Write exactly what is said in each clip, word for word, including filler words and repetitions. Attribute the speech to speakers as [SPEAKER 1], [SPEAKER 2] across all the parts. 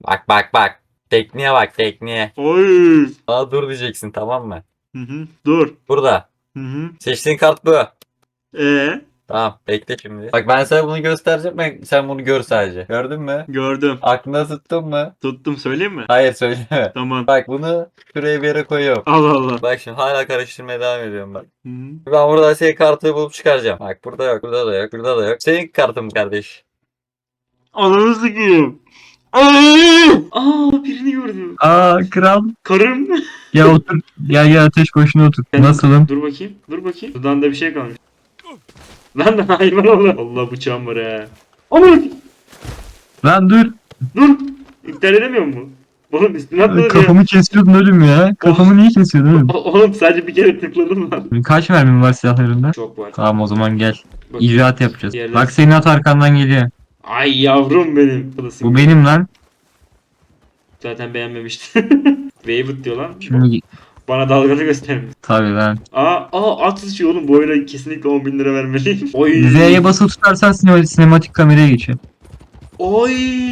[SPEAKER 1] Bak bak bak. Tekniğe bak tekniğe.
[SPEAKER 2] Oy.
[SPEAKER 1] Aa dur diyeceksin tamam mı?
[SPEAKER 2] Hı hı. Dur.
[SPEAKER 1] Burada.
[SPEAKER 2] Hı hı.
[SPEAKER 1] Seçtiğin kart bu.
[SPEAKER 2] Ee,
[SPEAKER 1] Tamam bekle şimdi. Bak ben sana bunu göstereceğim. Ben, sen bunu gör sadece. Gördün mü?
[SPEAKER 2] gördüm.
[SPEAKER 1] Aklına tuttun mu?
[SPEAKER 2] Tuttum, söyleyeyim mi?
[SPEAKER 1] Hayır söyleme.
[SPEAKER 2] Tamam.
[SPEAKER 1] Bak bunu şuraya bir yere koyuyorum.
[SPEAKER 2] Allah Allah.
[SPEAKER 1] Bak şimdi hala karıştırmaya devam ediyorum bak.
[SPEAKER 2] Hı hı.
[SPEAKER 1] Ben burada senin kartı bulup çıkaracağım. Bak burada yok, burada da yok, burada da yok. Senin kartın kardeş.
[SPEAKER 2] Ananı sikeyim. Aa! Aa, birini gördüm.
[SPEAKER 3] Aa kral.
[SPEAKER 2] Karım.
[SPEAKER 3] Ya otur. Gel gel ateş başına otur.
[SPEAKER 2] Ben-
[SPEAKER 3] Nasılım?
[SPEAKER 2] Dur bakayım. Dur bakayım. Dudağında bir şey kalmış. Lan da hayvan Allah. Allah bıçağım var he. Aman.
[SPEAKER 3] Lan dur.
[SPEAKER 2] Dur. İptal edemiyor mu? Oğlum üstüne atladın ya.
[SPEAKER 3] Kafamı kesiyordun oğlum ya. Kafamı niye kesiyordun oğlum?
[SPEAKER 2] O- Oğlum sadece bir kere tıkladım lan.
[SPEAKER 3] Kaç mermin var silahlarında?
[SPEAKER 2] Çok var.
[SPEAKER 3] Tamam o zaman gel.
[SPEAKER 2] Bak-
[SPEAKER 3] İcraat yapacağız.
[SPEAKER 2] Diğerleri-
[SPEAKER 3] Bak senin at arkandan geliyor.
[SPEAKER 2] Ay yavrum benim.
[SPEAKER 3] Bu benim lan.
[SPEAKER 2] Zaten beğenmemişti. Wayward diyor lan.
[SPEAKER 3] Şimdi
[SPEAKER 2] Bana dalganı göstermiş.
[SPEAKER 3] tabii lan.
[SPEAKER 2] Aa, aa at sıçıyor oğlum. Bu oyuna kesinlikle on bin lira vermeliyim. Oy.
[SPEAKER 3] Z'ye basılı tutarsan sinema- sinematik kameraya geçiyor.
[SPEAKER 2] Oy.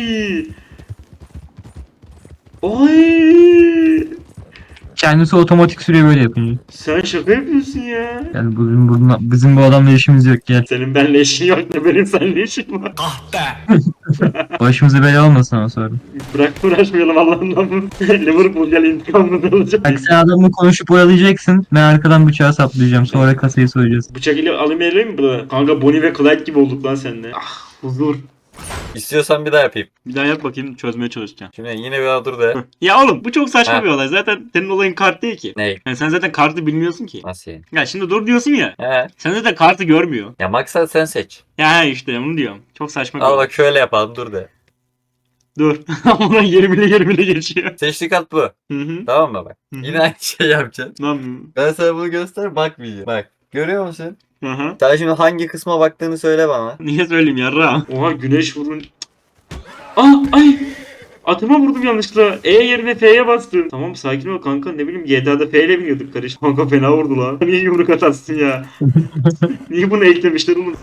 [SPEAKER 2] Oy.
[SPEAKER 3] Kendisi otomatik sürüyor böyle yapınca.
[SPEAKER 2] Sen şaka yapıyorsun ya.
[SPEAKER 3] Yani bizim, bununla, bizim bu adamla işimiz yok gel.
[SPEAKER 2] Senin benimle işin yok da benim seninle işim var.
[SPEAKER 3] Başımıza bela olmasın ama sonra.
[SPEAKER 2] Bırak uğraşmayalım Allah'ından. Liverpool gel intikamını alacak.
[SPEAKER 3] Bak sen adamla konuşup oyalayacaksın. Ben arkadan bıçağı saplayacağım. Sonra kasayı soyacağız.
[SPEAKER 2] Bıçak ile alayım eleyim mi burada? Kanka Bonnie ve Clyde gibi olduk lan seninle. Ah huzur.
[SPEAKER 1] İstiyorsan bir daha yapayım.
[SPEAKER 2] Bir daha yap bakayım, çözmeye çalışacağım.
[SPEAKER 1] Şimdi yine bir daha dur de.
[SPEAKER 2] Ya oğlum bu çok saçma
[SPEAKER 1] Ha.
[SPEAKER 2] bir olay. Zaten senin olayın kart değil ki.
[SPEAKER 1] Ney?
[SPEAKER 2] Yani sen zaten kartı bilmiyorsun ki.
[SPEAKER 1] Nasıl yani?
[SPEAKER 2] Ya şimdi dur diyorsun ya.
[SPEAKER 1] He.
[SPEAKER 2] Sen zaten kartı görmüyor.
[SPEAKER 1] Ya maksat sen seç.
[SPEAKER 2] Ya he işte onu diyorum. Çok saçma bir
[SPEAKER 1] Al
[SPEAKER 2] olay.
[SPEAKER 1] bak şöyle yapalım dur de.
[SPEAKER 2] Dur. Ondan yerimine yerimine geçiyor.
[SPEAKER 1] Seçtiğin kart bu.
[SPEAKER 2] Hı hı.
[SPEAKER 1] Tamam mı bak?
[SPEAKER 2] Hı hı.
[SPEAKER 1] Yine aynı şey yapacaksın.
[SPEAKER 2] Ne yapayım?
[SPEAKER 1] Ben sana bunu göster bakmayacağım. Bak. Görüyor musun?
[SPEAKER 2] Hı hı.
[SPEAKER 1] Sen şimdi hangi kısma baktığını söyle bana.
[SPEAKER 2] Niye söyleyeyim yarra? Oha güneş vurun. Ah ay. Atıma vurdum yanlışlıkla. E yerine F'ye bastım. Tamam sakin ol kanka, ne bileyim G T A'da F ile biniyorduk karış. Kanka fena vurdu lan. Niye yumruk atarsın ya? Niye bunu eklemişler oğlum?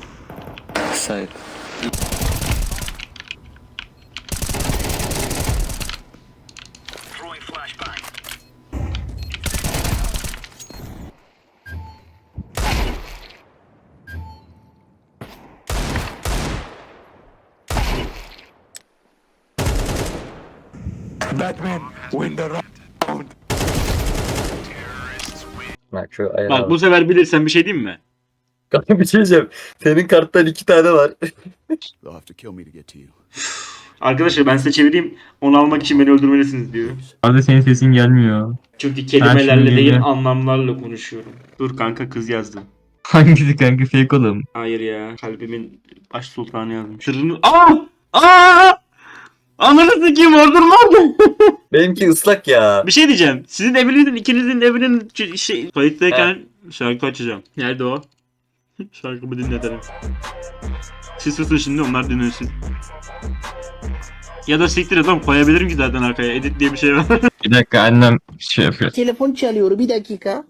[SPEAKER 4] Batman, win the round.
[SPEAKER 1] Bak şu ayağı.
[SPEAKER 2] Bak bu sefer bilirsen bir şey diyeyim mi?
[SPEAKER 1] Kanka bir şey diyeceğim. Senin karttan iki tane var.
[SPEAKER 4] They'll have to kill me to get to you.
[SPEAKER 2] Arkadaşlar ben size çevireyim. Onu almak için beni öldürmelisiniz diyor.
[SPEAKER 3] Arada senin sesin gelmiyor.
[SPEAKER 2] Çünkü kelimelerle
[SPEAKER 3] şimdi
[SPEAKER 2] değil
[SPEAKER 3] geliyor.
[SPEAKER 2] anlamlarla konuşuyorum. Dur kanka kız yazdı.
[SPEAKER 3] Hangisi kanka fake oğlum?
[SPEAKER 2] Hayır ya. Kalbimin baş sultanı yazmış. Sırrını... Aa! Aa! Ananı sikeyim oradan vardı.
[SPEAKER 1] Benimki ıslak ya.
[SPEAKER 2] Bir şey diyeceğim. Sizin evinizin, ikinizin evinin ç- şey, kayıttayken şarkı açacağım. Nerede o? Şarkımı dinletelim. Siz susun şimdi, onlar dinlesin. Ya da siktir et oğlum, koyabilirim ki zaten arkaya. Edit diye bir şey var.
[SPEAKER 3] Bir dakika annem şey yapıyor.
[SPEAKER 5] Telefon çalıyor, bir dakika.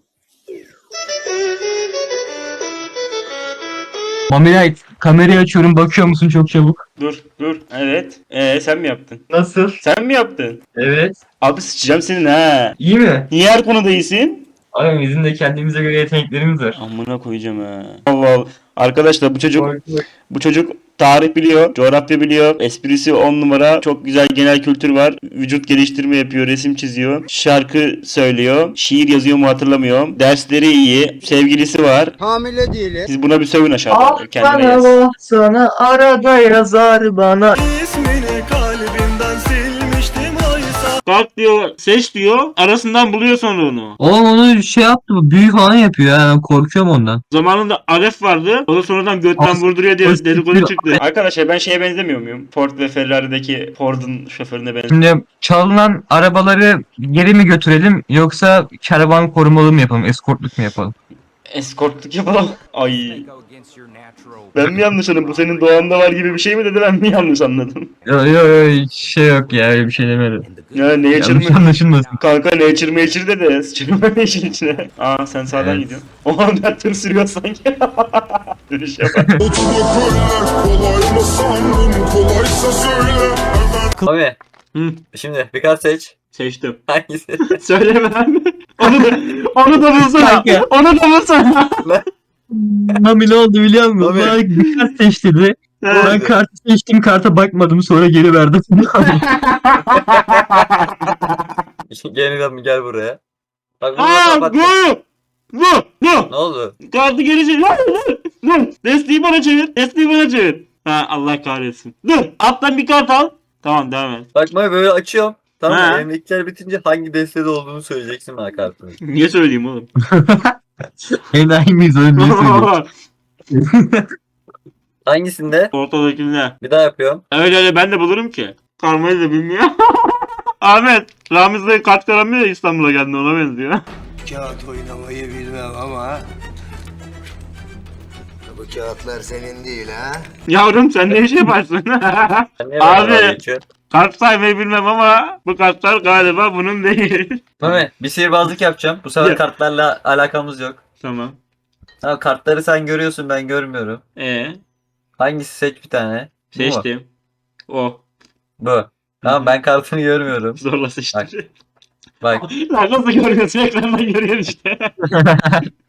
[SPEAKER 3] Mamiray kamerayı açıyorum bakıyor musun çok çabuk?
[SPEAKER 2] Dur dur. Evet. Ee sen mi yaptın?
[SPEAKER 3] Nasıl?
[SPEAKER 2] Sen mi yaptın?
[SPEAKER 3] Evet.
[SPEAKER 2] Abi sıçacağım senin ha.
[SPEAKER 3] İyi mi?
[SPEAKER 2] Niye her konuda iyisin?
[SPEAKER 3] Abi bizim de kendimize göre yeteneklerimiz var.
[SPEAKER 2] Amına koyacağım ha. Allah Allah. Arkadaşlar bu çocuk bu çocuk tarih biliyor, coğrafya biliyor, esprisi on numara, çok güzel genel kültür var, vücut geliştirme yapıyor, resim çiziyor, şarkı söylüyor, şiir yazıyor mu hatırlamıyorum, dersleri iyi, sevgilisi var.
[SPEAKER 5] Hamile değilim.
[SPEAKER 2] Siz buna bir sövün aşağıda.
[SPEAKER 3] Ah
[SPEAKER 2] Kendine
[SPEAKER 3] sana
[SPEAKER 2] yaz.
[SPEAKER 3] vah sana arada yazar bana.
[SPEAKER 4] İsmini kalbimden silmiştim oysa.
[SPEAKER 2] Kalk diyor, seç diyor, arasından buluyor sonra onu.
[SPEAKER 3] Oğlum onu şey yaptı bu büyü falan yapıyor ya ben korkuyorum ondan.
[SPEAKER 2] Zamanında Aref vardı, o da sonradan götten
[SPEAKER 3] As-
[SPEAKER 2] vurduruyor diye
[SPEAKER 3] as-
[SPEAKER 2] dedikodu çıktı. Arkadaşlar ben şeye benzemiyor muyum? Ford ve Ferrari'deki Ford'un şoförüne benziyorum.
[SPEAKER 3] Şimdi çalınan arabaları geri mi götürelim yoksa karavan korumalı mı yapalım, eskortluk mu yapalım?
[SPEAKER 2] Eskortluk yapalım. Ay. Ben mi yanlış anladım? Bu senin doğanda var gibi bir şey mi dedi, ben mi yanlış anladım?
[SPEAKER 3] Yo yo yo hiç şey yok ya öyle bir şey demedim.
[SPEAKER 2] Ya ne
[SPEAKER 3] Yanlış
[SPEAKER 2] içirme?
[SPEAKER 3] anlaşılmasın.
[SPEAKER 2] Kanka ne içirme içir dedi. Sıçırma işin içine. Aa sen sağdan
[SPEAKER 3] Evet.
[SPEAKER 2] gidiyorsun. Oha ben tır sürüyor sanki. Dönüş yapar.
[SPEAKER 4] Kolay mı sandın, kolaysa söyle.
[SPEAKER 1] Abi
[SPEAKER 2] Hı,
[SPEAKER 1] Şimdi bir kart seç.
[SPEAKER 2] seçtim.
[SPEAKER 1] Hangisi?
[SPEAKER 2] Söyleme lan. Onu da, onu da bulsana.
[SPEAKER 3] Kanka.
[SPEAKER 2] Onu da bulsana.
[SPEAKER 3] Mami ne oldu biliyor musun?
[SPEAKER 1] Mami.
[SPEAKER 3] Bana bir kart seç dedi. Ben
[SPEAKER 1] Oldu.
[SPEAKER 3] kartı seçtim, karta bakmadım, sonra geri verdim.
[SPEAKER 1] Gel lan gel buraya. Bak bunu
[SPEAKER 2] Aa,
[SPEAKER 1] kapat.
[SPEAKER 2] bu. Bu. Bu.
[SPEAKER 1] Ne oldu?
[SPEAKER 2] Kartı geri çevir. Lan, dur. Dur. Desteği bana çevir. Desteği bana çevir. Ha, Allah kahretsin. Dur. Alttan bir kart al. Tamam, devam et.
[SPEAKER 1] Bak Mami böyle açıyorum. Tamam
[SPEAKER 2] Ha.
[SPEAKER 1] mı? Elimdekiler bitince hangi destede olduğunu söyleyeceksin bana kartını.
[SPEAKER 2] Niye söyleyeyim oğlum?
[SPEAKER 3] Enayi miyiz oğlum, niye söylüyorsun?
[SPEAKER 1] Hangisinde?
[SPEAKER 2] Ortadakinde.
[SPEAKER 1] Bir daha yapıyorum.
[SPEAKER 2] Öyle öyle ben de bulurum ki. Karmayı da bilmiyor. Ahmet. Ramiz Bey kart karamıyor ya, İstanbul'a geldi, ona benziyor.
[SPEAKER 5] Kağıt oynamayı bilmem ama... Bu kağıtlar senin değil ha?
[SPEAKER 2] Yavrum sen ne iş yaparsın?
[SPEAKER 1] Sen niye
[SPEAKER 2] Abi.
[SPEAKER 1] bana dalga geçiyorsun?
[SPEAKER 2] Kart saymayı bilmem ama bu kartlar galiba bunun değil.
[SPEAKER 1] Mami bir sihirbazlık yapacağım. Bu sefer
[SPEAKER 2] Ya.
[SPEAKER 1] kartlarla alakamız yok.
[SPEAKER 2] Tamam.
[SPEAKER 1] Tamam kartları sen görüyorsun ben görmüyorum.
[SPEAKER 2] Ee,
[SPEAKER 1] Hangisi seç bir tane. Bu mu?
[SPEAKER 2] seçtim. O.
[SPEAKER 1] Bu. Tamam ben kartını görmüyorum.
[SPEAKER 2] Zorla seçtim.
[SPEAKER 1] Bak.
[SPEAKER 2] Lan nasıl görüyorsun? Ekrandan görüyorsun işte.